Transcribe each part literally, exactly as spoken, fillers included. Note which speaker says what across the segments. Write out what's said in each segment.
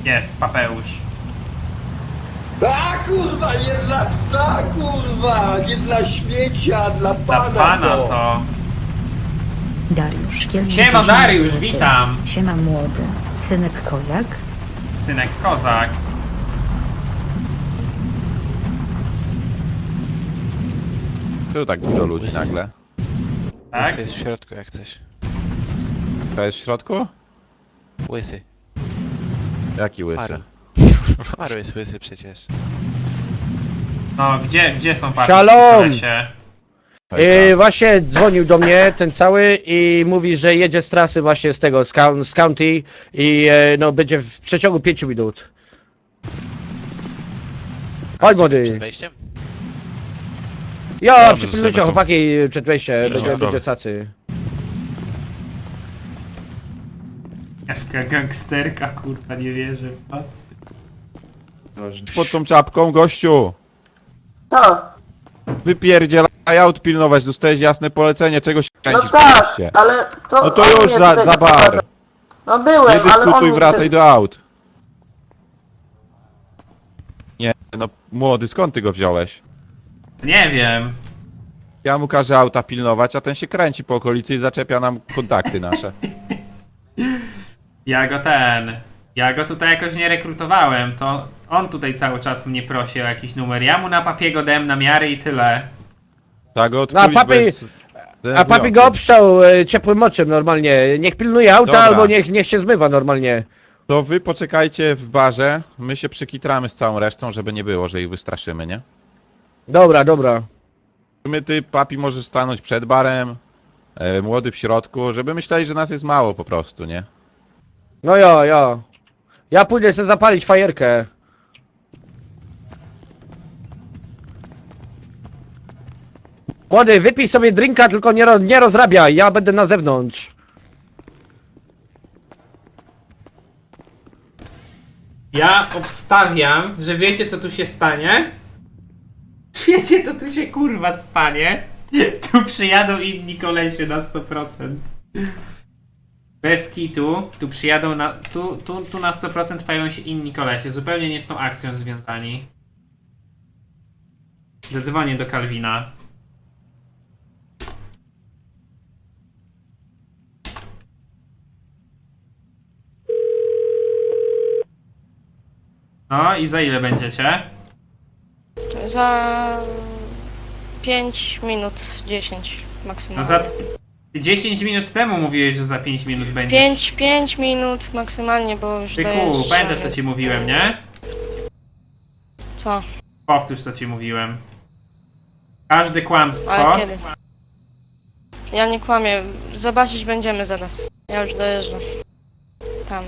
Speaker 1: Jest, Papeusz.
Speaker 2: A kurwa, nie dla psa, kurwa, nie dla śmiecia, dla
Speaker 1: Dla
Speaker 2: pana,
Speaker 1: pana
Speaker 2: to.
Speaker 1: to...
Speaker 3: Dariusz Kielc.
Speaker 1: Siema,
Speaker 3: dziesięć
Speaker 1: Dariusz,
Speaker 3: złotych.
Speaker 1: witam.
Speaker 3: Siema młody. Synek kozak.
Speaker 1: Synek kozak.
Speaker 4: Tu tak dużo ludzi nagle.
Speaker 1: Tak?
Speaker 5: Jest w środku jak coś.
Speaker 4: To jest w środku?
Speaker 5: Łysy.
Speaker 4: Jaki łysy?
Speaker 5: Paru. Paru jest łysy przecież.
Speaker 1: No, gdzie, gdzie są papi?
Speaker 6: Shalom!
Speaker 4: Hejka.
Speaker 6: Yy, właśnie dzwonił do mnie ten cały i mówi, że jedzie z trasy właśnie z tego, z, coun- z county i e, no będzie w przeciągu pięciu minut. Chodź
Speaker 5: Przed
Speaker 6: młody.
Speaker 5: wejściem?
Speaker 6: Jo,
Speaker 4: Dobrze,
Speaker 6: przypilnujcie
Speaker 4: sobie tu.
Speaker 6: chłopaki przed wejściem, będzie,
Speaker 4: Dobra.
Speaker 6: będzie cacy.
Speaker 1: Jaka gangsterka, kurwa, nie wierzę. w to.
Speaker 4: Pod tą czapką, gościu!
Speaker 7: To,
Speaker 4: Wypierdzielaj aut pilnować, dostałeś jasne polecenie, czego się
Speaker 7: no
Speaker 4: kręcisz?
Speaker 7: tak,
Speaker 4: się?
Speaker 7: ale to...
Speaker 4: No to
Speaker 7: on
Speaker 4: już
Speaker 7: mnie
Speaker 4: za,
Speaker 7: tutaj
Speaker 4: za bar!
Speaker 7: doprowadza. No byłem,
Speaker 4: Nie
Speaker 7: ale on
Speaker 4: dyskutuj,
Speaker 7: mnie
Speaker 4: wracaj
Speaker 7: tutaj-
Speaker 4: do aut! Nie, no młody, skąd ty go wziąłeś?
Speaker 1: Nie wiem.
Speaker 4: Ja mu każę auta pilnować, a ten się kręci po okolicy i zaczepia nam kontakty nasze.
Speaker 1: Ja go ten... Ja go tutaj jakoś nie rekrutowałem, to on tutaj cały czas mnie prosi o jakiś numer. Ja mu na papiego dałem namiary i tyle.
Speaker 4: Tak go
Speaker 6: No,
Speaker 4: odkulić,
Speaker 6: a papi-
Speaker 4: bo jest
Speaker 6: A papi go
Speaker 4: denerwujący.
Speaker 6: obszał e, ciepłym moczem normalnie. Niech pilnuje auta
Speaker 4: Dobra.
Speaker 6: albo niech, niech się zmywa normalnie.
Speaker 4: To wy poczekajcie w barze, my się przykitramy z całą resztą, żeby nie było, że ich wystraszymy, nie?
Speaker 6: Dobra, dobra.
Speaker 4: My ty, papi, możesz stanąć przed barem, e, młody w środku, żeby myśleli, że nas jest mało po prostu, nie?
Speaker 6: No jo, jo. Ja pójdę sobie zapalić fajerkę. Młody, wypij sobie drinka, tylko nie, ro, nie rozrabiaj, ja będę na zewnątrz.
Speaker 1: Ja obstawiam, że wiecie co tu się stanie? Wiecie co tu się kurwa stanie? Tu przyjadą inni kolesie na sto procent. Bez kitu, tu przyjadą na... Tu, tu, tu na sto procent pojawią się inni kolesie, zupełnie nie z tą akcją związani. Zadzwonię do Kalwina. No i za ile będziecie?
Speaker 7: Za... pięć minut, dziesięć
Speaker 1: No
Speaker 7: maksymalnie.
Speaker 1: za... dziesięć minut temu mówiłeś, że za pięć minut będziesz.
Speaker 7: pięć, pięć minut maksymalnie, bo już
Speaker 1: Ty
Speaker 7: dojeżdżamy.
Speaker 1: ku, pamiętasz co ci mówiłem, nie?
Speaker 7: Co?
Speaker 1: Powtórz co ci mówiłem. Każde kłamstwo...
Speaker 7: Ale kiedy? Ja nie kłamię. Zobaczyć będziemy zaraz. Ja już dojeżdżam. Tam.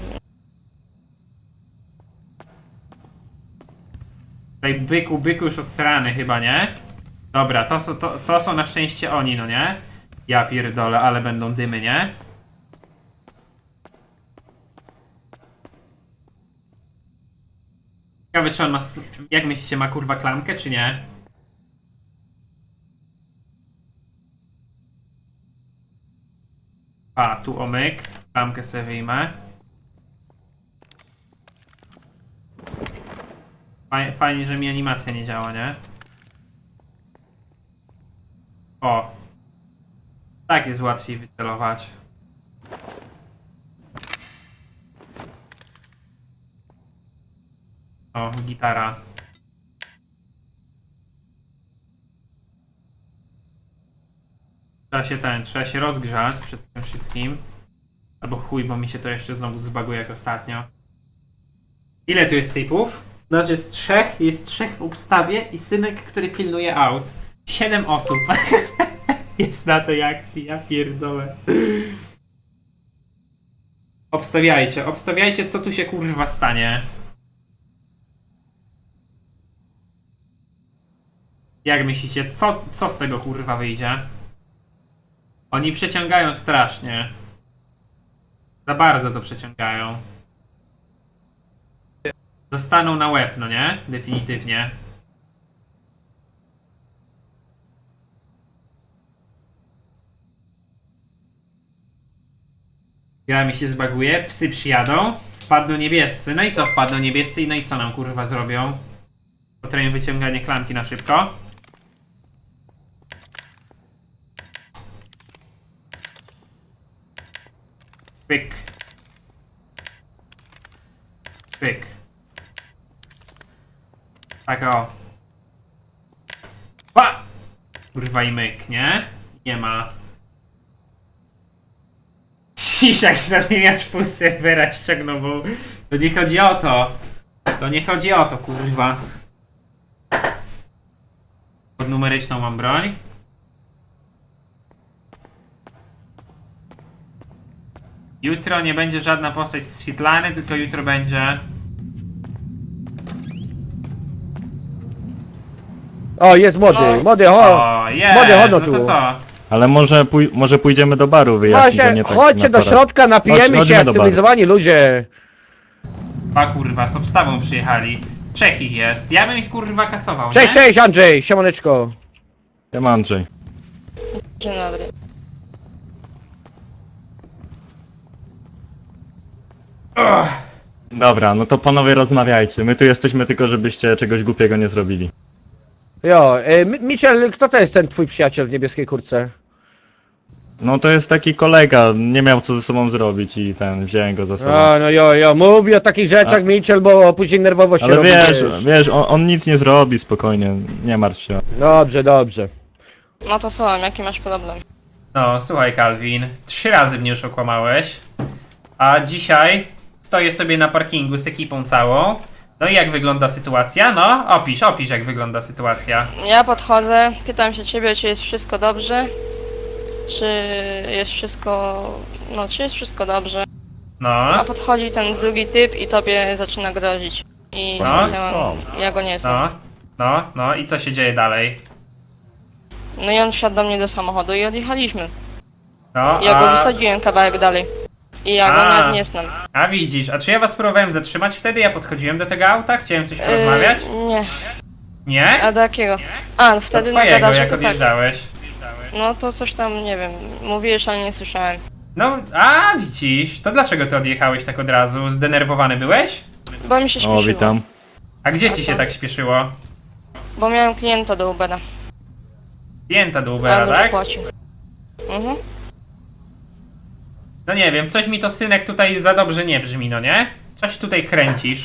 Speaker 1: Tutaj byku, byku już osrany chyba, nie? Dobra, to są, to, to są na szczęście oni, no nie? Ja pierdolę, ale będą dymy, nie? Ciekawe czy on ma... s- Jak myślicie, ma kurwa klamkę, czy nie? A, tu omyk. Klamkę sobie wyjmę. Faj- Fajnie, że mi animacja nie działa, nie? O! Tak jest łatwiej wycelować. O, gitara. Trzeba się ten, trzeba się rozgrzać przed tym wszystkim. Albo chuj, bo mi się to jeszcze znowu zbaguje jak ostatnio. Ile tu jest typów? Znaczy jest trzech, jest trzech w obstawie i synek, który pilnuje aut. Siedem osób jest na tej akcji, ja pierdolę. Obstawiajcie, obstawiajcie co tu się kurwa stanie. Jak myślicie, co, co z tego kurwa wyjdzie? Oni przeciągają strasznie. Za bardzo to przeciągają. Dostaną na łeb, no nie? Definitywnie. Gra mi się zbaguje, psy przyjadą. wpadną niebiescy. No i co wpadną niebiescy i no i co nam kurwa zrobią? Potrafię wyciąganie klamki na szybko. Pyk. Pyk. Tak o. Pa! Kurwa i myk, nie? Nie ma. Dzisiaj zamieniasz pół serwera ściągnął, bo to nie chodzi o to. To nie chodzi o to, kurwa. Pod numeryczną mam broń. Jutro nie będzie żadna postać z Świetlany, tylko jutro będzie...
Speaker 6: O, jest młody,
Speaker 7: No.
Speaker 6: młody, ho!
Speaker 1: O, jest!
Speaker 6: Młody, chodź
Speaker 1: No
Speaker 6: tu.
Speaker 1: to co?
Speaker 8: Ale może, pój może pójdziemy do baru wyjaśnić, a
Speaker 6: Właśnie,
Speaker 8: nie tak
Speaker 6: chodźcie
Speaker 8: na
Speaker 6: do
Speaker 8: parę.
Speaker 6: środka, napijemy
Speaker 8: Chodź-
Speaker 6: się
Speaker 8: chodźmy
Speaker 6: jak
Speaker 8: do baru.
Speaker 6: cywilizowani ludzie.
Speaker 1: A kurwa, z obstawą przyjechali. Trzech ich jest. Ja bym ich kurwa kasował,
Speaker 6: Cześć,
Speaker 1: nie?
Speaker 6: cześć Andrzej, siemaneczko.
Speaker 8: Ja mam Andrzej.
Speaker 7: Dzień dobry.
Speaker 1: Ugh.
Speaker 8: Dobra, no to panowie rozmawiajcie. My tu jesteśmy tylko, żebyście czegoś głupiego nie zrobili.
Speaker 6: Jo, y, Mi- Mitchell, kto to jest ten twój przyjaciel w niebieskiej kurtce?
Speaker 8: No to jest taki kolega, nie miał co ze sobą zrobić i ten, wziąłem go za sobą.
Speaker 6: A, no jo, jo, mówi o takich rzeczach Mitchell, bo później nerwowo się
Speaker 8: Ale
Speaker 6: robi,
Speaker 8: wiesz, wiesz, on, on nic nie zrobi, spokojnie, nie martw się.
Speaker 6: Dobrze, dobrze.
Speaker 7: No to słucham, jaki masz problem?
Speaker 1: No, słuchaj Calvin, trzy razy mnie już okłamałeś, a dzisiaj stoję sobie na parkingu z ekipą całą. No i jak wygląda sytuacja? No, opisz, opisz jak wygląda sytuacja.
Speaker 7: Ja podchodzę, pytam się ciebie, czy jest wszystko dobrze? Czy jest wszystko... No, czy jest wszystko dobrze?
Speaker 1: No,
Speaker 7: A podchodzi ten drugi typ i tobie zaczyna grozić. I
Speaker 1: No.
Speaker 7: stwierdzam, ja go nie znam.
Speaker 1: no, no, no i co się dzieje dalej?
Speaker 7: No i on wsiadł do mnie do samochodu i odjechaliśmy.
Speaker 1: No,
Speaker 7: Ja go
Speaker 1: a,
Speaker 7: wysadziłem kawałek dalej. I ja
Speaker 1: A.
Speaker 7: go nawet nie znam.
Speaker 1: a widzisz, a czy ja was próbowałem zatrzymać wtedy? Ja podchodziłem do tego auta? Chciałem coś porozmawiać?
Speaker 7: Yy, nie.
Speaker 1: Nie?
Speaker 7: A do jakiego? A,
Speaker 1: Do
Speaker 7: wtedy na
Speaker 1: twojego,
Speaker 7: garażu
Speaker 1: jak
Speaker 7: to tak.
Speaker 1: odjeżdżałeś.
Speaker 7: No to coś tam, nie wiem, mówiłeś, ale nie słyszałem.
Speaker 1: No, a widzisz, to dlaczego ty odjechałeś tak od razu? Zdenerwowany byłeś?
Speaker 7: Bo mi się śpieszyło.
Speaker 8: O, witam.
Speaker 1: A gdzie
Speaker 7: A
Speaker 1: ci
Speaker 7: co?
Speaker 1: się tak śpieszyło?
Speaker 7: Bo miałem klienta do Ubera.
Speaker 1: Klienta do
Speaker 7: A
Speaker 1: Ubera,
Speaker 7: dużo
Speaker 1: tak?
Speaker 7: płacił. Mhm.
Speaker 1: No nie wiem, coś mi to synek tutaj za dobrze nie brzmi, no nie? Coś tutaj kręcisz.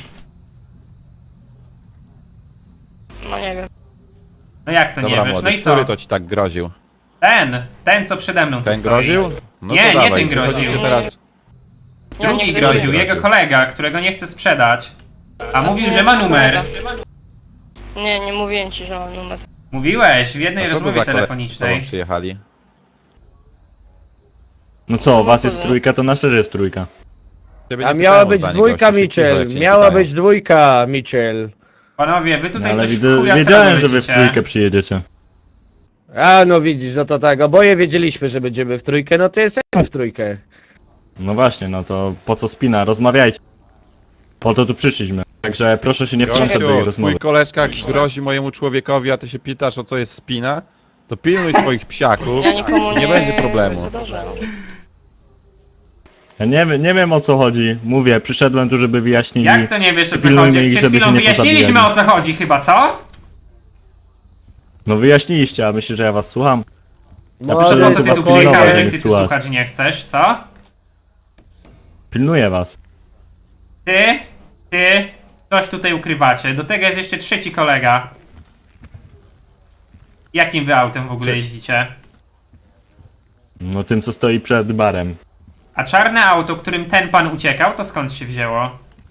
Speaker 7: No nie wiem.
Speaker 1: No jak to
Speaker 4: Dobra,
Speaker 1: nie wiesz?
Speaker 4: młody,
Speaker 1: No i co?
Speaker 4: który to ci tak groził?
Speaker 1: Ten, ten co przede mną tu
Speaker 4: Ten
Speaker 1: stoi.
Speaker 4: groził? No
Speaker 1: Nie,
Speaker 4: to
Speaker 1: nie
Speaker 4: dawaj,
Speaker 1: ten groził.
Speaker 4: wychodzicie teraz.
Speaker 7: Ja
Speaker 1: Drugi
Speaker 7: nie
Speaker 1: groził,
Speaker 7: groził.
Speaker 1: jego kolega, którego nie chce sprzedać. A
Speaker 7: to
Speaker 1: mówił,
Speaker 7: nie
Speaker 1: że
Speaker 7: jest
Speaker 1: ma
Speaker 7: mój
Speaker 1: numer.
Speaker 7: kolega. Nie, nie mówiłem ci, że mam numer.
Speaker 1: Mówiłeś w jednej
Speaker 4: A co to
Speaker 1: rozmowie
Speaker 4: za koledzy z tobą
Speaker 1: telefonicznej.
Speaker 4: przyjechali?
Speaker 8: No co, was jest
Speaker 7: kuzyn.
Speaker 8: trójka, to nasza jest trójka.
Speaker 4: Ciebie
Speaker 6: A
Speaker 4: nie
Speaker 6: miała
Speaker 4: pytałem o
Speaker 6: być
Speaker 4: zdanie,
Speaker 6: dwójka
Speaker 4: gościu, się cicho,
Speaker 6: Mitchell,
Speaker 4: jak się nie
Speaker 6: miała
Speaker 4: pytają.
Speaker 6: być dwójka Mitchell.
Speaker 1: Panowie, wy
Speaker 8: No,
Speaker 1: tutaj
Speaker 8: ale
Speaker 1: coś w
Speaker 8: widzę,
Speaker 1: chuja
Speaker 8: wiedziałem,
Speaker 1: sradą
Speaker 8: że wy w
Speaker 1: lecicie.
Speaker 8: trójkę przyjedziecie.
Speaker 6: A no widzisz, no to tak, oboje wiedzieliśmy, że będziemy w trójkę, no to jesteśmy w trójkę.
Speaker 8: No właśnie, no to po co spina, rozmawiajcie. Po to tu przyszliśmy. Także proszę się nie wtrącać do jej
Speaker 4: Gościu,
Speaker 8: rozmowy.
Speaker 4: twój koleżka grozi mojemu człowiekowi, a ty się pytasz o co jest spina? To pilnuj swoich psiaków.
Speaker 7: Ja nikomu nie...
Speaker 4: Nie będzie problemu.
Speaker 7: wydarzam.
Speaker 8: Ja nie, wiem- nie wiem o co chodzi. Mówię, przyszedłem tu, żeby wyjaśnili.
Speaker 1: Jak to nie wiesz o co
Speaker 8: Pilnujmy
Speaker 1: chodzi?
Speaker 8: ich,
Speaker 1: Przed
Speaker 8: żeby
Speaker 1: chwilą
Speaker 8: się nie
Speaker 1: wyjaśniliśmy
Speaker 8: pozabijali.
Speaker 1: o co chodzi chyba, co?
Speaker 8: No wyjaśniliście, a myślisz, że ja was słucham? Ja
Speaker 6: No,
Speaker 8: przyszedłem
Speaker 1: Po co
Speaker 8: tu
Speaker 1: ty
Speaker 8: was
Speaker 1: tu
Speaker 8: pilnować,
Speaker 1: przyjechałeś,
Speaker 8: a
Speaker 1: jak
Speaker 8: nie
Speaker 1: ty tu
Speaker 8: słuchać.
Speaker 1: słuchać nie chcesz, co?
Speaker 8: Pilnuję was.
Speaker 1: Ty, ty, coś tutaj ukrywacie. Do tego jest jeszcze trzeci kolega. Jakim wy autem w ogóle
Speaker 8: Czy-
Speaker 1: jeździcie?
Speaker 8: No tym, co stoi przed barem.
Speaker 1: A czarne auto, którym ten pan uciekał, to skąd się wzięło?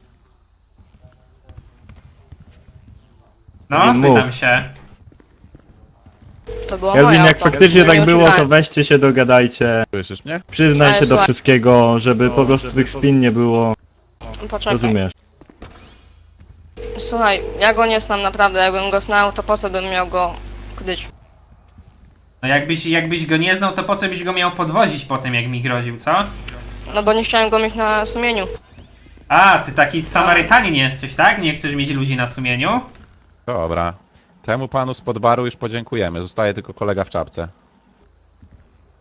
Speaker 1: No,
Speaker 8: Kelvin, mów.
Speaker 1: pytam się.
Speaker 7: To było moje
Speaker 8: Kelvin, jak
Speaker 7: auto.
Speaker 8: faktycznie
Speaker 7: Ja
Speaker 8: tak
Speaker 7: nie
Speaker 8: było, to
Speaker 7: oszukałem.
Speaker 8: weźcie się, dogadajcie.
Speaker 4: Słyszysz mnie?
Speaker 8: Przyznaj
Speaker 7: Ale
Speaker 8: się do
Speaker 7: słuchaj-
Speaker 8: wszystkiego, żeby po prostu tych spin nie było.
Speaker 7: Poczekaj.
Speaker 8: Rozumiesz?
Speaker 7: Słuchaj, ja go nie znam naprawdę, jakbym go znał, to po co bym miał go kiedyś?
Speaker 1: No jakbyś, jakbyś go nie znał, to po co byś go miał podwozić po tym, jak mi groził, co?
Speaker 7: No bo nie chciałem go mieć na sumieniu.
Speaker 1: A, ty taki Samarytanin jesteś, tak? Nie chcesz mieć ludzi na sumieniu?
Speaker 4: Dobra. Temu panu spod baru już podziękujemy. Zostaje tylko kolega w czapce.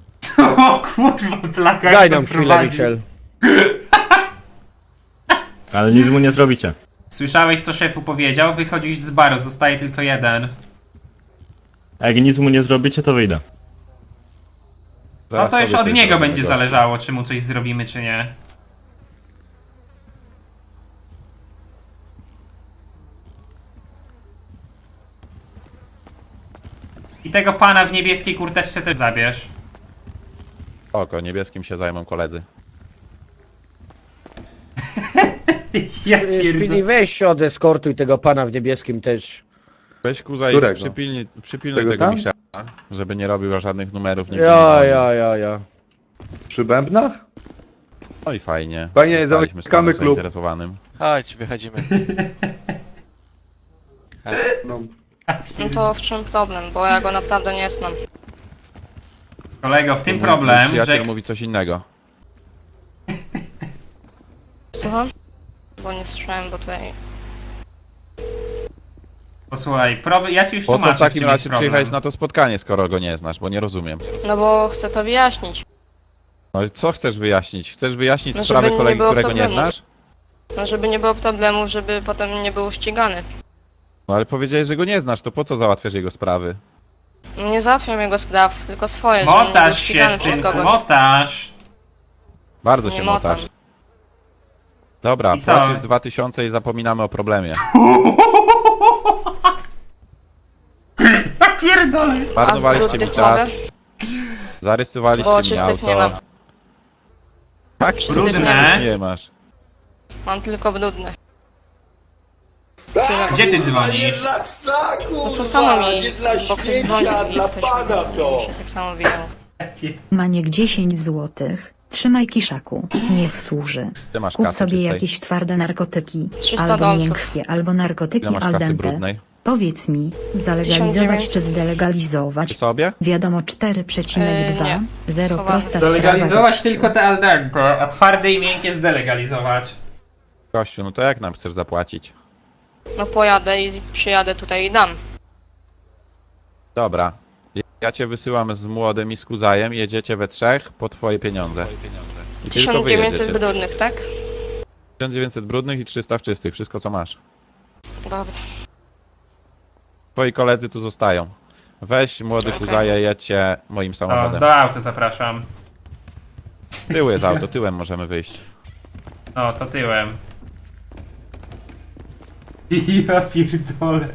Speaker 1: O kurwa, plaka
Speaker 6: Daj nam chwilę, Mitchell.
Speaker 8: Ale nic mu nie zrobicie.
Speaker 1: Słyszałeś, co szefu powiedział? Wychodzisz z baru, zostaje tylko jeden.
Speaker 8: A jak nic mu nie zrobicie, to wyjdę.
Speaker 1: No
Speaker 4: Zaraz
Speaker 1: to już
Speaker 4: tobie
Speaker 1: od
Speaker 4: coś
Speaker 1: niego
Speaker 4: zrobimy,
Speaker 1: będzie
Speaker 4: gościu.
Speaker 1: zależało, czy mu coś zrobimy, czy nie. I tego pana w niebieskiej kurteczce też zabierz.
Speaker 4: Oko, niebieskim się zajmą koledzy.
Speaker 1: Ja
Speaker 6: Szpili,
Speaker 1: pierdolę.
Speaker 6: weź się odeskortuj tego pana w niebieskim też.
Speaker 4: Weź Kuza i
Speaker 9: Którego?
Speaker 4: przypilnij, przypilnuj
Speaker 9: Tego
Speaker 4: tego
Speaker 9: tam?
Speaker 4: Michela, żeby nie robił żadnych numerów. nigdzie nie
Speaker 6: Ja,
Speaker 4: dzwonił.
Speaker 6: ja, ja, ja.
Speaker 9: Przy bębnach?
Speaker 4: No i fajnie.
Speaker 9: Fajnie,
Speaker 4: Zostaliśmy
Speaker 9: zamykamy
Speaker 4: z panem
Speaker 9: klub.
Speaker 4: zainteresowanym.
Speaker 5: Chodź, wychodzimy.
Speaker 9: No.
Speaker 7: No to w czym problem, bo ja go naprawdę nie znam.
Speaker 1: Kolego, w tym
Speaker 4: Mój- mój
Speaker 1: problem,
Speaker 4: przyjaciel
Speaker 1: że...
Speaker 4: mówi coś innego.
Speaker 7: Słucham? Bo nie słyszałem, bo tutaj...
Speaker 1: Posłuchaj, problem... ja ci już
Speaker 4: Po co
Speaker 1: tłumaczę,
Speaker 4: w takim
Speaker 1: czym jest
Speaker 4: razie
Speaker 1: problem.
Speaker 4: przyjechałeś na to spotkanie, skoro go nie znasz, bo nie rozumiem.
Speaker 7: No bo chcę to wyjaśnić.
Speaker 4: No i co chcesz wyjaśnić? Chcesz wyjaśnić
Speaker 7: No,
Speaker 4: sprawę
Speaker 7: żeby nie
Speaker 4: kolegi,
Speaker 7: było
Speaker 4: którego nie
Speaker 7: problemów.
Speaker 4: znasz?
Speaker 7: No żeby nie było problemów, żeby potem nie był ścigany.
Speaker 4: No ale powiedziałeś, że go nie znasz, to po co załatwiasz jego sprawy?
Speaker 7: Nie załatwiam jego spraw, tylko swoje, że nie był
Speaker 1: Motasz się,
Speaker 7: ścigany przez
Speaker 1: synku,
Speaker 7: kogoś.
Speaker 1: motasz.
Speaker 4: Bardzo
Speaker 7: Nie
Speaker 4: się
Speaker 7: motam.
Speaker 4: motasz. Dobra,
Speaker 1: I co?
Speaker 4: płacisz dwa tysiące i zapominamy o problemie.
Speaker 1: Ja pierdolę.
Speaker 4: Marnowaliście mi
Speaker 7: brudnych
Speaker 4: czas,
Speaker 7: mogę?
Speaker 4: zarysowaliście
Speaker 7: Bo
Speaker 4: mi
Speaker 7: czystych nie
Speaker 4: auto.
Speaker 7: mam.
Speaker 4: Tak,
Speaker 7: Czystych
Speaker 1: Brudne.
Speaker 7: nie mam.
Speaker 4: nie masz.
Speaker 7: Mam tylko brudne.
Speaker 1: Gdzie ty
Speaker 2: Nie
Speaker 1: dzwonisz?
Speaker 2: dla psa, kurwa!
Speaker 7: No to samo mi,
Speaker 2: Nie dla
Speaker 7: bo ktoś dzwonił
Speaker 2: śmiecia,
Speaker 7: i
Speaker 2: dla
Speaker 7: ktoś
Speaker 2: pana to!
Speaker 7: mi się tak samo wyjął.
Speaker 3: Maniek dziesięć złotych. Trzymaj kiszaku, niech służy.
Speaker 4: Ty masz
Speaker 3: Kup
Speaker 4: kasy
Speaker 3: sobie
Speaker 4: czystej.
Speaker 3: jakieś twarde narkotyki,
Speaker 7: trzysta
Speaker 3: albo
Speaker 7: dolców.
Speaker 3: miękkie, albo narkotyki
Speaker 4: Ile masz
Speaker 3: al
Speaker 4: kasy
Speaker 3: dente.
Speaker 4: brudnej?
Speaker 3: Powiedz mi,
Speaker 7: tysiąc
Speaker 3: zalegalizować
Speaker 7: dziewięćset.
Speaker 3: czy zdelegalizować?
Speaker 4: Ty sobie?
Speaker 3: Wiadomo cztery przecinek dwa,
Speaker 7: Yy, nie.
Speaker 3: zero
Speaker 7: Schowamy.
Speaker 3: prosta sprawa
Speaker 1: Zalegalizować
Speaker 3: gościu.
Speaker 1: tylko te al dente, a twarde i miękkie zdelegalizować.
Speaker 4: Kościół, no to jak nam chcesz zapłacić?
Speaker 7: No pojadę i przyjadę tutaj i dam.
Speaker 4: Dobra. Ja cię wysyłam z młodym i z Kuzajem, jedziecie we trzech po twoje pieniądze. I tylko
Speaker 7: tysiąc
Speaker 4: wy
Speaker 7: dziewięćset
Speaker 4: jedziecie.
Speaker 7: brudnych, tak?
Speaker 4: tysiąc dziewięćset brudnych i trzysta w czystych, wszystko co masz.
Speaker 7: Dobra.
Speaker 4: Twoi koledzy tu zostają. Weź młody
Speaker 7: Okej.
Speaker 4: Kuzaja, jedźcie moim
Speaker 1: O,
Speaker 4: samochodem.
Speaker 1: do auta zapraszam.
Speaker 4: Tył jest auto, tyłem możemy wyjść.
Speaker 1: O, to tyłem. Ja pierdolę.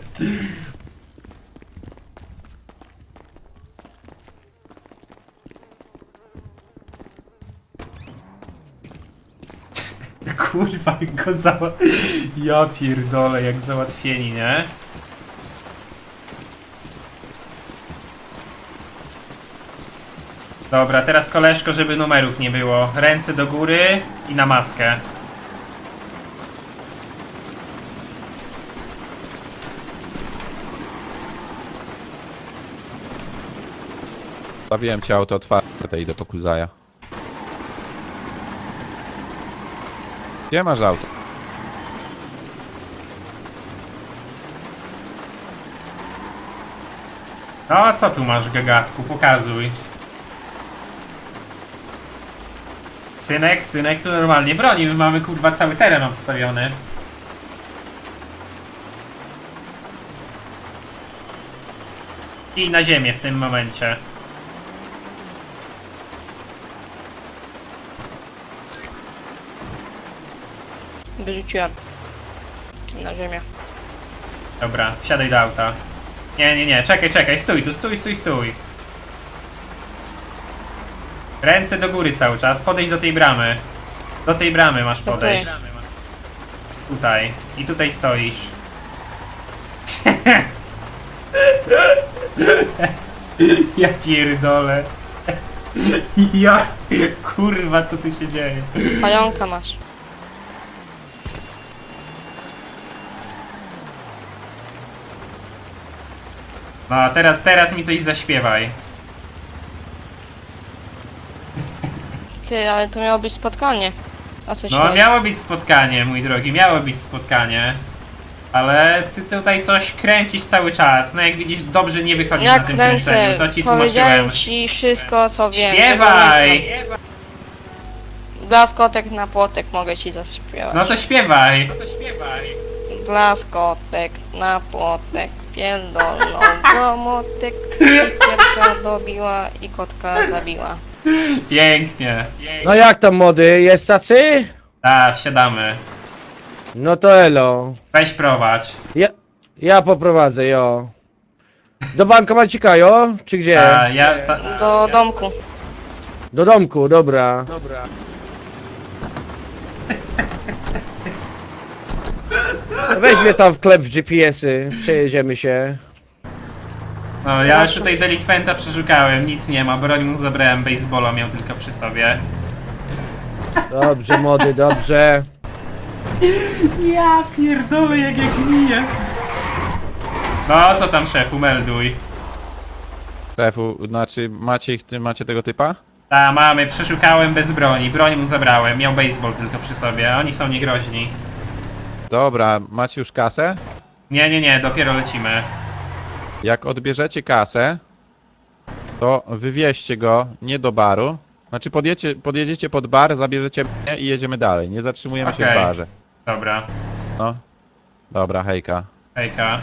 Speaker 1: Kurwa, jak go zała... Ja pierdolę, jak załatwieni, nie? Dobra, teraz koleżko, żeby numerów nie było. Ręce do góry i na maskę.
Speaker 4: Stawiłem ci auto otwarte, idę po Kuzaja. Gdzie masz auto?
Speaker 1: No a co tu masz, gagatku? Pokazuj. Synek, synek tu normalnie broni, my mamy kurwa cały teren obstawiony. I na ziemię w tym momencie.
Speaker 7: Wyrzuciłem. Na ziemię.
Speaker 1: Dobra, wsiadaj do auta. Nie, nie, nie, czekaj, czekaj, stój tu, stój, stój, stój. Ręce do góry cały czas, podejdź do tej bramy. Do tej bramy masz
Speaker 7: Do
Speaker 1: podejść.
Speaker 7: której?
Speaker 1: Tutaj. I tutaj stoisz. Ja pierdolę. Ja... Kurwa, co tu się dzieje?
Speaker 7: Pająka masz.
Speaker 1: No, a teraz, teraz mi coś zaśpiewaj.
Speaker 7: Ty, ale to miało być spotkanie. A co się
Speaker 1: No,
Speaker 7: chodzi?
Speaker 1: miało być spotkanie, mój drogi, miało być spotkanie. Ale ty tutaj coś kręcisz cały czas. No jak widzisz, dobrze nie wychodzi na
Speaker 7: Jak
Speaker 1: tym
Speaker 7: kręcę,
Speaker 1: kręceniu. To ci
Speaker 7: powiedziałem
Speaker 1: tłumaczyłem.
Speaker 7: ci wszystko, co wiem.
Speaker 1: Śpiewaj!
Speaker 7: Że go nie znam. Blaskotek na płotek mogę ci zaśpiewać.
Speaker 1: No to śpiewaj.
Speaker 7: Blaskotek na płotek, pierdolną łomotek, siekierka dobiła i kotka zabiła.
Speaker 1: Pięknie.
Speaker 6: No jak tam młody, jest tacy?
Speaker 1: Tak, wsiadamy.
Speaker 6: No to elo.
Speaker 1: Weź prowadź.
Speaker 6: Ja, ja poprowadzę, jo. Do bankomacika, jo? Czy gdzie?
Speaker 1: A, ja, ta,
Speaker 7: Do domku.
Speaker 6: Do domku, dobra. Dobra. Weź mnie tam w klep w G P S-y, przejedziemy się.
Speaker 1: no, ja już tutaj delikwenta przeszukałem, nic nie ma, broń mu zabrałem, baseballa miał tylko przy sobie.
Speaker 6: Dobrze młody, dobrze.
Speaker 1: Ja pierdolę, jak ja gniję. No, co tam szefu, melduj.
Speaker 4: Szefu, znaczy macie ich, ty macie tego typa?
Speaker 1: Ta, mamy, przeszukałem bez broni, broń mu zabrałem, miał baseball tylko przy sobie, oni są niegroźni.
Speaker 4: Dobra, macie już kasę?
Speaker 1: Nie, nie, nie, dopiero lecimy.
Speaker 4: Jak odbierzecie kasę, to wywieźcie go nie do baru. Znaczy podjedziecie, podjedziecie pod bar, zabierzecie mnie i jedziemy dalej. Nie zatrzymujemy się w
Speaker 1: Okej.
Speaker 4: barze.
Speaker 1: Dobra,
Speaker 4: No. Dobra, hejka.
Speaker 1: hejka.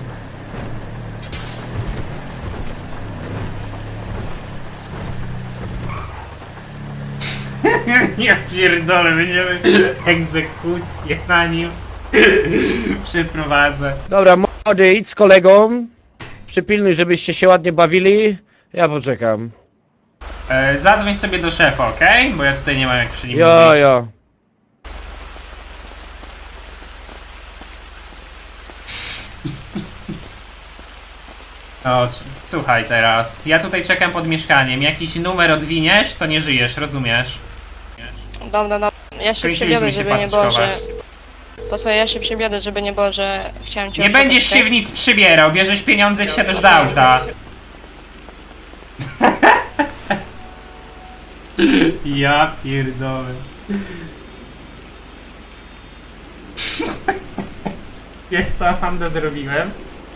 Speaker 1: Ja pierdolę, będziemy egzekucję na nim przeprowadzę.
Speaker 6: Dobra, młody, idź z kolegą. Przypilnuj, żebyście się ładnie bawili. Ja poczekam.
Speaker 1: E, zadzwoń sobie do szefa, okej? Bo ja tutaj nie mam jak przy nim
Speaker 6: Jo,
Speaker 1: mówić.
Speaker 6: jo.
Speaker 1: O, c- słuchaj teraz. Ja tutaj czekam pod mieszkaniem. Jakiś numer odwiniesz, to nie żyjesz, rozumiesz?
Speaker 7: Dobra, dobra. Ja się
Speaker 1: Skończyliśmy
Speaker 7: przebiodę,
Speaker 1: się
Speaker 7: żeby nie było, że...
Speaker 1: patyczkować.
Speaker 7: Posłuchaj, ja się przebiodę, żeby nie było, że chciałem cię
Speaker 1: Nie
Speaker 7: oszukać,
Speaker 1: będziesz
Speaker 7: tak?
Speaker 1: się w nic przybierał, bierzesz pieniądze i wsiadasz do auta. Ja pierdolę. Wiesz co, Amanda, zrobiłem?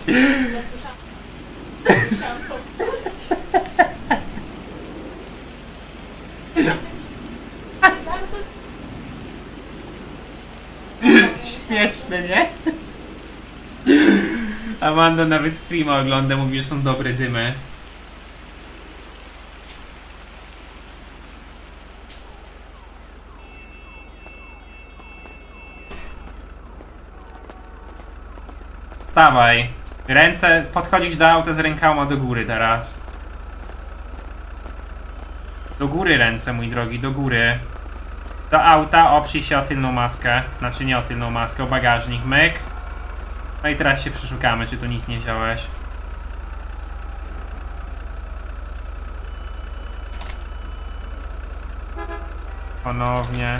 Speaker 1: Śmieszne, nie? Amanda nawet streama ogląda, mówi, że są dobre dymy. Wstawaj. Ręce, podchodzisz do auta z rękoma do góry teraz. Do góry ręce, mój drogi, do góry. Do auta, oprzyj się o tylną maskę. Znaczy nie o tylną maskę, o bagażnik, myk. No i teraz się przeszukamy, czy tu nic nie wziąłeś. Ponownie.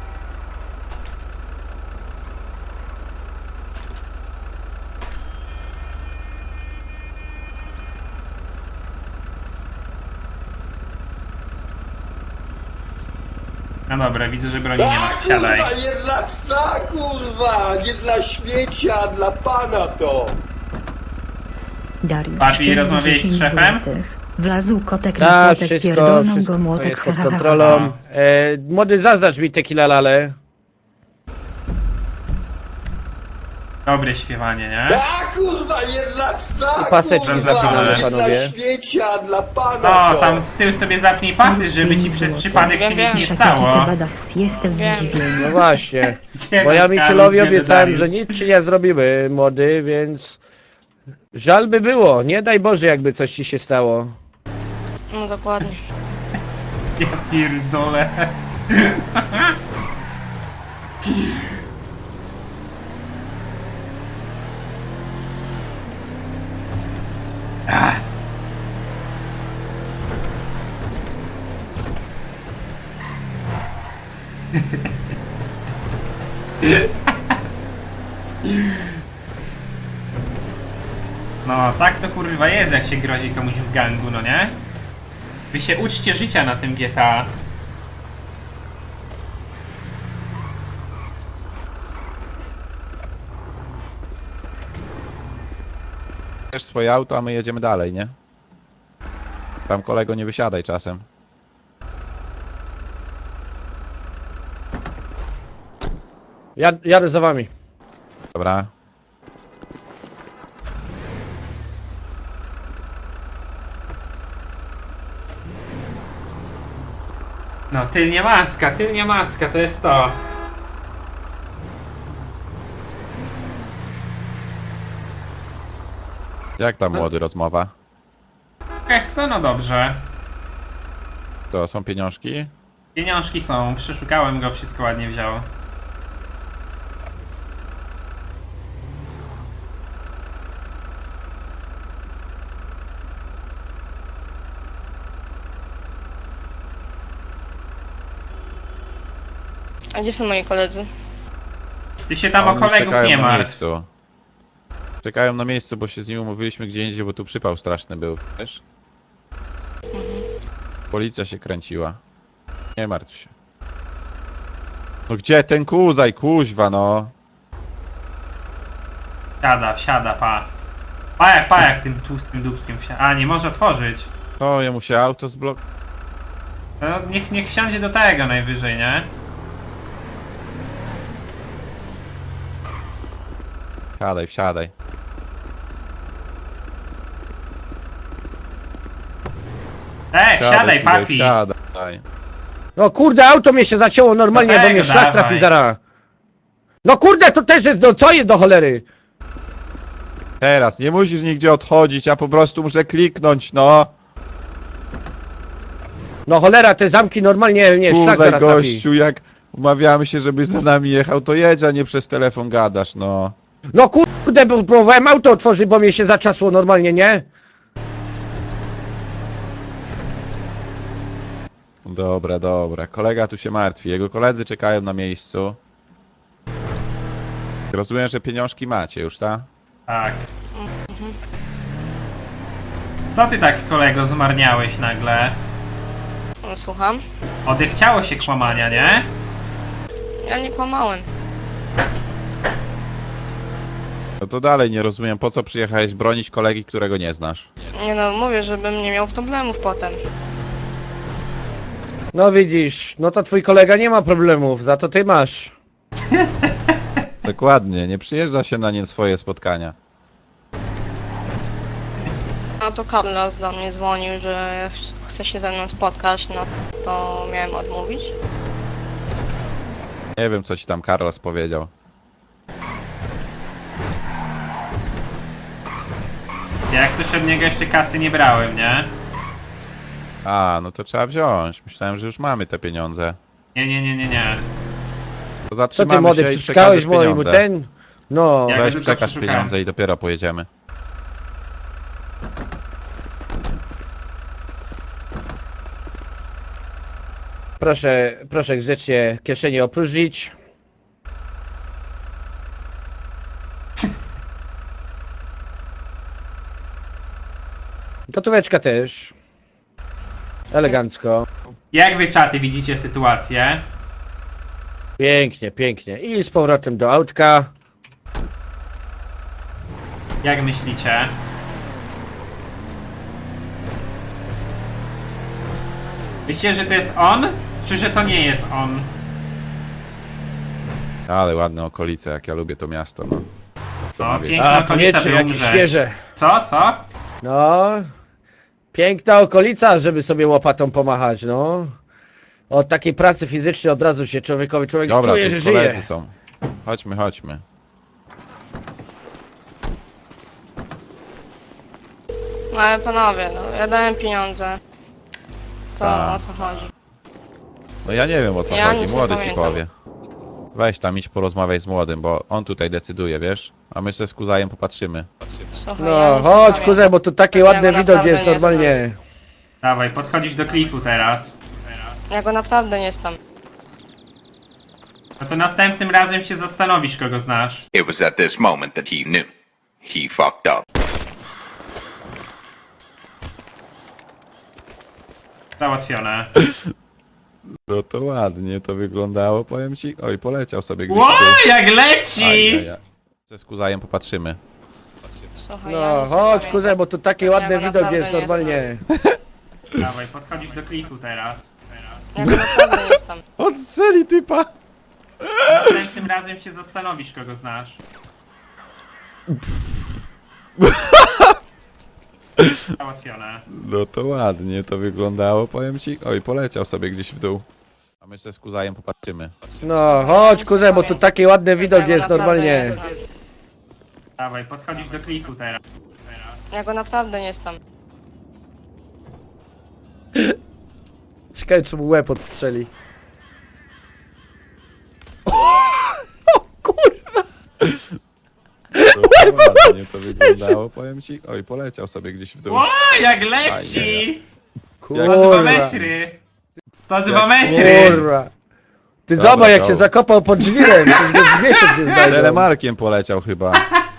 Speaker 1: No dobra, widzę, że broni nie
Speaker 2: A
Speaker 1: masz, wsiadaj.
Speaker 2: kurwa, nie dla psa, kurwa! Nie dla śmiecia, dla pana to!
Speaker 3: Dariusz,
Speaker 1: Papi,
Speaker 3: Szkiel z
Speaker 1: rozmawiałeś z
Speaker 3: dziesięć
Speaker 1: szefem?
Speaker 3: złotych. Wlazł kotek na
Speaker 6: Tak,
Speaker 3: płotek,
Speaker 6: wszystko,
Speaker 3: pierdolną
Speaker 6: wszystko
Speaker 3: go młotek,
Speaker 6: jest
Speaker 3: ha,
Speaker 6: pod
Speaker 3: ha, ha, ha.
Speaker 6: kontrolą. E, młody, zaznacz mi tequila lale.
Speaker 1: Dobre śpiewanie, nie?
Speaker 2: A kurwa, nie dla psa,
Speaker 6: I paseczki
Speaker 2: kurwa!
Speaker 1: zaczynamy.
Speaker 2: Nie dla
Speaker 6: Panowie.
Speaker 2: śmiecia, dla pana
Speaker 1: No,
Speaker 2: to!
Speaker 1: tam z tyłu sobie zapnij pasy, żeby ci przez przypadek się nic nie stało.
Speaker 3: Ty badas jest
Speaker 7: Wiem.
Speaker 3: zdziwiony.
Speaker 6: No właśnie.
Speaker 1: Gdzie
Speaker 6: Bo ja
Speaker 1: nas
Speaker 6: Michelowi
Speaker 1: Karol, gdzie
Speaker 6: obiecałem,
Speaker 1: Dariusz?
Speaker 6: że nic ci nie zrobimy, młody, więc... Żal by było, nie daj Boże, jakby coś ci się stało.
Speaker 7: No dokładnie.
Speaker 1: Ja pierdolę. No, tak to kurwa jest, jak się grozi komuś w gangu, no nie? Wy się uczcie życia na tym G T A.
Speaker 4: Bierz swoje auto, a my jedziemy dalej, nie? Tam kolego nie wysiadaj czasem.
Speaker 6: Jad, jadę za wami.
Speaker 4: Dobra.
Speaker 1: No, tylnia maska, tylnia maska, to jest to.
Speaker 4: Jak tam młody rozmowa?
Speaker 1: Wiesz co, no dobrze.
Speaker 4: To są pieniążki?
Speaker 1: Pieniążki są, przeszukałem go, wszystko ładnie wziął.
Speaker 7: A gdzie są moi koledzy?
Speaker 1: Ty się tam o
Speaker 4: Oni już
Speaker 1: kolegów
Speaker 4: czekają
Speaker 1: nie
Speaker 4: na
Speaker 1: martw.
Speaker 4: miejscu. Czekają na miejscu, bo się z nimi umówiliśmy gdzie indziej, bo tu przypał straszny był, wiesz? Policja się kręciła. Nie martw się. No gdzie ten kuzaj, kuźwa, no?
Speaker 1: Wsiada, wsiada, pa. Pa jak, pa jak tym tłustym dubskiem wsiada. A, nie może otworzyć.
Speaker 4: To jemu się auto zblok...
Speaker 1: No, niech, niech wsiądzie do tego najwyżej, nie?
Speaker 4: Wsiadaj, wsiadaj.
Speaker 1: E, wsiadaj,
Speaker 4: kuzaj,
Speaker 1: papi.
Speaker 4: Wsiadaj.
Speaker 6: No kurde, auto mnie się zacięło normalnie,
Speaker 1: Do
Speaker 6: bo
Speaker 1: tego
Speaker 6: mnie szlak
Speaker 1: dawaj.
Speaker 6: trafi zaraz. No kurde, to też jest, no co jest do cholery?
Speaker 4: Teraz, nie musisz nigdzie odchodzić, ja po prostu muszę kliknąć, no.
Speaker 6: No cholera, te zamki normalnie, nie, szlak
Speaker 4: Kuzaj,
Speaker 6: zaraz trafi.
Speaker 4: gościu, jak umawiamy się, żebyś za nami jechał, to jedź, a nie przez telefon gadasz, no.
Speaker 6: No kurde, bo próbowałem auto otworzyć, bo mnie się zaczasło normalnie, nie?
Speaker 4: Dobra, dobra. Kolega tu się martwi. Jego koledzy czekają na miejscu. Rozumiem, że pieniążki macie już, tak?
Speaker 1: Tak. Co ty tak, kolego, zmarniałeś nagle?
Speaker 7: No, słucham?
Speaker 1: Odechciało się kłamania, nie?
Speaker 7: Ja nie kłamałem.
Speaker 4: No to dalej nie rozumiem, po co przyjechałeś bronić kolegi, którego nie znasz.
Speaker 7: Nie no, mówię, żebym nie miał problemów potem.
Speaker 6: No widzisz, no to twój kolega nie ma problemów, za to ty masz.
Speaker 4: Dokładnie, nie przyjeżdża się na nie swoje spotkania.
Speaker 7: No to Carlos do mnie dzwonił, że chce się ze mną spotkać, no to miałem odmówić.
Speaker 4: Nie wiem, co ci tam Carlos powiedział.
Speaker 1: Ja jak coś od niego jeszcze kasy nie brałem, nie?
Speaker 4: A, no to trzeba wziąć. Myślałem, że już mamy te pieniądze.
Speaker 1: Nie, nie, nie, nie, nie.
Speaker 4: To
Speaker 6: Co
Speaker 4: zatrzymamy
Speaker 6: ty młody,
Speaker 4: się i
Speaker 6: przeszukałeś
Speaker 4: przekażesz
Speaker 6: mojemu
Speaker 4: pieniądze.
Speaker 6: ten? No,
Speaker 1: Jak-
Speaker 4: Weź
Speaker 1: tylko
Speaker 4: przekaż
Speaker 1: przeszukałem.
Speaker 4: pieniądze i dopiero pojedziemy.
Speaker 6: proszę, proszę grzecznie kieszenie opróżnić. Gotóweczka też. Elegancko.
Speaker 1: Jak wy, czaty, widzicie sytuację?
Speaker 6: Pięknie, pięknie. I z powrotem do autka.
Speaker 1: Jak myślicie? Myślicie, że to jest on? Czy że to nie jest on?
Speaker 4: Ale ładne okolice, jak ja lubię to miasto, no.
Speaker 1: No,
Speaker 4: wiesz.
Speaker 1: piękna
Speaker 6: A,
Speaker 1: okolica,
Speaker 6: powietrze
Speaker 1: by
Speaker 6: jakieś
Speaker 1: umrzeć.
Speaker 6: świeże.
Speaker 1: Co, co?
Speaker 6: No. Piękna okolica, żeby sobie łopatą pomachać, no. Od takiej pracy fizycznej od razu się człowiekowi, człowiek
Speaker 4: Dobra,
Speaker 6: czuje,
Speaker 4: tu
Speaker 6: że
Speaker 4: koledzy
Speaker 6: żyje.
Speaker 4: są. Chodźmy, chodźmy.
Speaker 7: No ale panowie, no ja dałem pieniądze. To
Speaker 4: Tak.
Speaker 7: o co chodzi?
Speaker 4: No ja nie wiem, o co
Speaker 7: Ja
Speaker 4: chodzi,
Speaker 7: nic nie
Speaker 4: młody ci
Speaker 7: pamiętam.
Speaker 4: powie. Weź tam, idź porozmawiaj z młodym, bo on tutaj decyduje, wiesz? A my se z kuzajem popatrzymy.
Speaker 7: Słuchaj, ja
Speaker 6: No,
Speaker 7: nic nie
Speaker 6: chodź
Speaker 7: pamiętam.
Speaker 6: kuzę, bo tu taki
Speaker 7: Ja
Speaker 6: ładny
Speaker 7: go
Speaker 6: widok
Speaker 7: naprawdę
Speaker 6: jest
Speaker 7: nie
Speaker 6: normalnie.
Speaker 1: Dawaj, podchodzisz do klifu teraz.
Speaker 7: Ja go naprawdę nie znam.
Speaker 1: No to następnym razem się zastanowisz, kogo znasz.
Speaker 10: It was at this moment that he knew. He fucked up.
Speaker 1: Załatwione.
Speaker 4: No to ładnie to wyglądało, powiem ci. Oj, poleciał sobie gdzieś
Speaker 1: Ło,
Speaker 4: tutaj.
Speaker 1: jak leci!
Speaker 4: Ajajaj. Se z kuzajem popatrzymy.
Speaker 7: Słuchaj, ja
Speaker 6: No,
Speaker 7: nic nie
Speaker 6: chodź
Speaker 7: pamiętam.
Speaker 6: kuzę, bo tu taki
Speaker 7: Ja
Speaker 6: ładny
Speaker 7: go
Speaker 6: widok
Speaker 7: naprawdę
Speaker 6: jest
Speaker 7: nie
Speaker 6: normalnie.
Speaker 1: Dawaj, podchodzisz do klifu teraz.
Speaker 7: Ja go naprawdę nie znam.
Speaker 4: Odstrzeli typa!
Speaker 1: Następnym razem się zastanowisz, kogo znasz. Załatwione.
Speaker 4: No to ładnie to wyglądało, powiem ci. Oj, poleciał sobie gdzieś w dół. A my sobie z Kuzajem popatrzymy.
Speaker 6: No, chodź kuzę, bo tu taki ładny widok
Speaker 7: Ja go
Speaker 6: jest
Speaker 7: naprawdę
Speaker 6: normalnie.
Speaker 7: nie znam.
Speaker 1: Dawaj, podchodzisz do kliku teraz. teraz.
Speaker 7: Ja go naprawdę nie znam.
Speaker 6: Ciekawe, czy mu łeb odstrzeli.
Speaker 4: No to ładnie to wyglądało, powiem ci. Oj, poleciał sobie gdzieś w dół.
Speaker 1: O, jak leci! sto dwa
Speaker 6: Kurwa.
Speaker 1: metry! sto dwa
Speaker 4: Jak-
Speaker 1: metry!
Speaker 6: Kurwa. Ty
Speaker 4: Dobra,
Speaker 6: zobacz, jak
Speaker 4: go.
Speaker 6: się zakopał pod żwirem, przecież go z miesiąc nie znajdą.
Speaker 4: Telemarkiem poleciał chyba.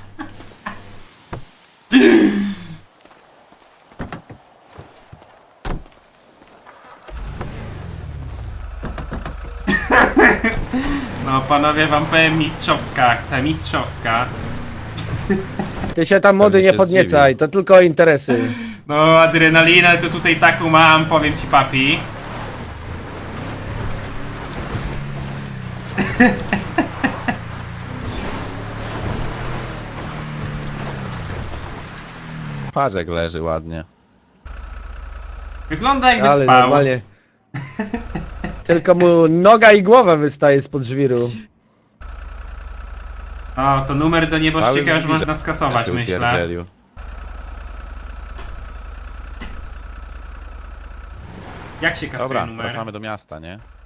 Speaker 1: No panowie, wam powiem, mistrzowska akcja, mistrzowska.
Speaker 6: Ty się tam młody
Speaker 4: Pewnie
Speaker 6: nie
Speaker 4: się
Speaker 6: podniecaj,
Speaker 4: zdziwił.
Speaker 6: to tylko interesy.
Speaker 1: No adrenalinę to tutaj taką mam, powiem ci papi.
Speaker 4: Patrz jak leży ładnie.
Speaker 1: Wygląda jakby
Speaker 6: Ale
Speaker 1: spał.
Speaker 6: normalnie. Tylko mu noga i głowa wystaje spod żwiru.
Speaker 1: O, to numer do nieboszczyka
Speaker 4: Cały
Speaker 1: już można
Speaker 4: żwir
Speaker 1: skasować,
Speaker 4: się
Speaker 1: myślę.
Speaker 4: upierdzielił.
Speaker 1: Jak się kasuje
Speaker 4: Dobra,
Speaker 1: numer?
Speaker 4: wracamy do miasta, nie?